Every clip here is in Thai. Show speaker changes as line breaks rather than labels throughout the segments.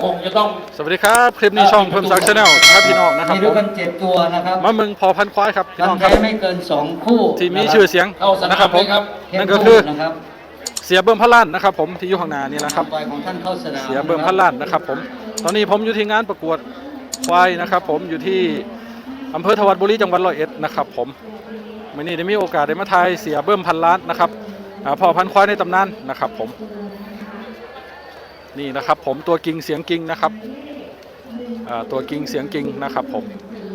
คงจะต้อง
สวัสดีครับคลิปนี้ช่องเพิ่มซักชาแนลครับพี่น้องนะครับ
มีด้วยกัน7ตัวนะครับ
มาเมืองพอพันควายครับพี่น้องครับ
ไม่เกิน2คู่
ที่มีชื่อเสียงนะครับผมนั่นก็คือเสียเบิ่มพลันนะครับผมที่อยู่ข้างหน้านี่แหละครับเสียเบิ่มพลันนะครับผมตอนนี้ผมอยู่ที่งานประกวดควายนะครับผมอยู่ที่อำเภอทวัดบุรีจังหวัดร้อยเอ็ดนะครับผมวันนี้ได้มีโอกาสได้มาถ่ายเสียเบิ่มพันล้านนะครับพ่อพันควายในตำนานนะครับผมนี่นะครับผมตัวกิ่งเสียงกิ่งนะครับตัวกิ่งเสียงกิ่งนะครับผม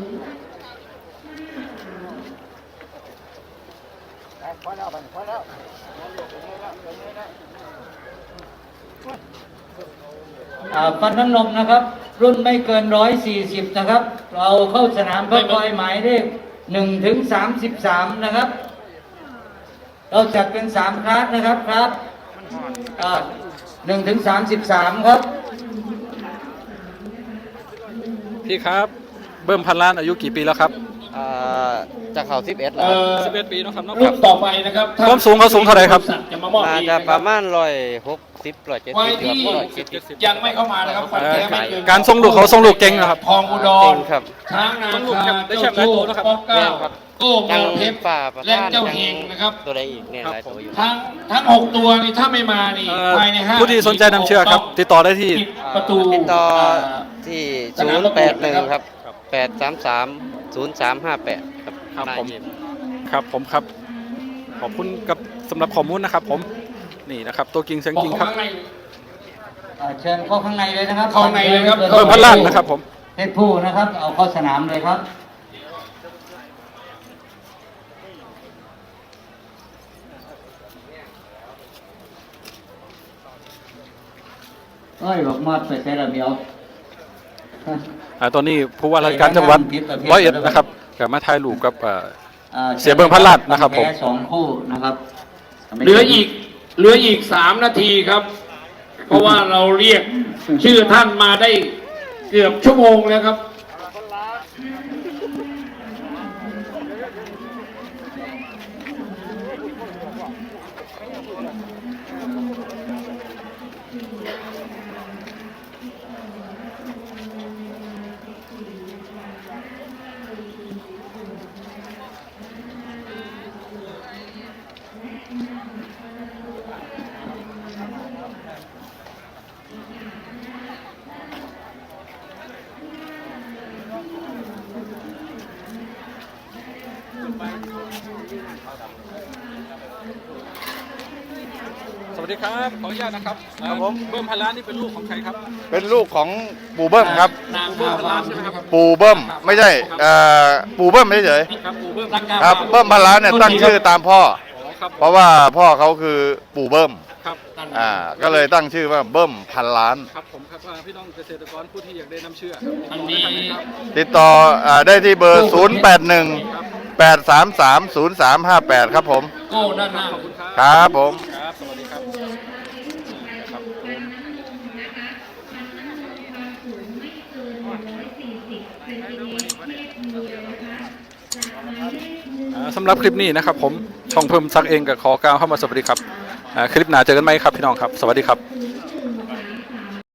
ฟันน้ำนมนะครับรุ่นไม่เกิน140นะครับเราเข้าสนามเพื่อคอยหมายเลข1 ถึง 33นะครับเราจัดเป็น3คลาสนะครับครับ1 ถึง 33ครับ
พี่ครับเบิ่มพันล้านอายุกี่ปีแล้วครับ
จะเข้า11แล้ว
11 ปีนะครับ
รุ่นต่อไปนะครับ
ความสูงเขาสูงเท่าไหร่ครับ
จะมามอบ
จะประมาณ160 170
ยังไม่เข้ามานะครับ
การทรงลูกเขาทรงลูกเก่งนะครับ
ทองอุดร
ครับ
ช้างนาคาเจ้าโจ้ป๊อกเก้าโก้เมืองเพชรและเจ้าเฮงนะครับ
ตัวใดอีกเนี่ยหลายตัวอยู่
ทั้ง6ตัวนี่ถ้าไม่มานี่ภายใน5
ผู้ที่สนใจนำเชื่อครับติดต่อได้ที่
ประตู
ติดต่อที่081ครับ833 0358ครับ
ผมครับผมครับขอบคุณกับสำหรับข้อมูลนะครับผมนี่นะครับตัวกิ่งเสียงกิ่งครับ
เชิญเข้าข้างในเลยนะครับ
เข้าในเลยครับ
เบิ่มพันล้านนะครับผม
เพชรผู้นะครับเอาเข้าสนามเลยครับบอกมาไปใช้ระเบียบ
ตอนนี้ผู้ว่าราชการจังหวัดร้อยเอ็ดนะครับกับมาถ่ายรูปกับเสียเบิ่มพันล้านนะครับผม
2 คู่นะครับ
เหลืออีก3 นาทีครับเพราะว่าเราเรียกชื่อท่านมาได้เกือบชั่วโมงแล้วครับ
สวัสดีครับขออนุญาตนะครับผมเบิ่มพันล้านนี่เป็นลูกของใครครับ
เป็นลูกของปู่เบิ้มครับ
เบิ่มพันล้านใช่ไหมครับ
ปู่เบิ้มไม่ใช่ปู่เบิ้มไม่เฉยครับเบิ้มพันล้านเนี่ยตั้งชื่อตามพ่อเพราะว่าพ่อเขาคือปู่เบิ้มก็เลยตั้งชื่อว่าเบิ้มพันล้าน
ครับผมครับพี่น้องเกษตรกรผู้ที่อยากได้น้ำเชื่อ
อันนี้
ติดต่อได้ที่เบอร์0818330358ครับผม
โก้ด้านหน้า
ครับผม
ครับสวัสดีครับสำหรับคลิปนี้นะครับผมช่องเพิ่มซักเองกับขอกล่าวเข้ามาสวัสดีครับคลิปหน้าเจอกันไหมครับพี่น้องครับสวัสดีครับ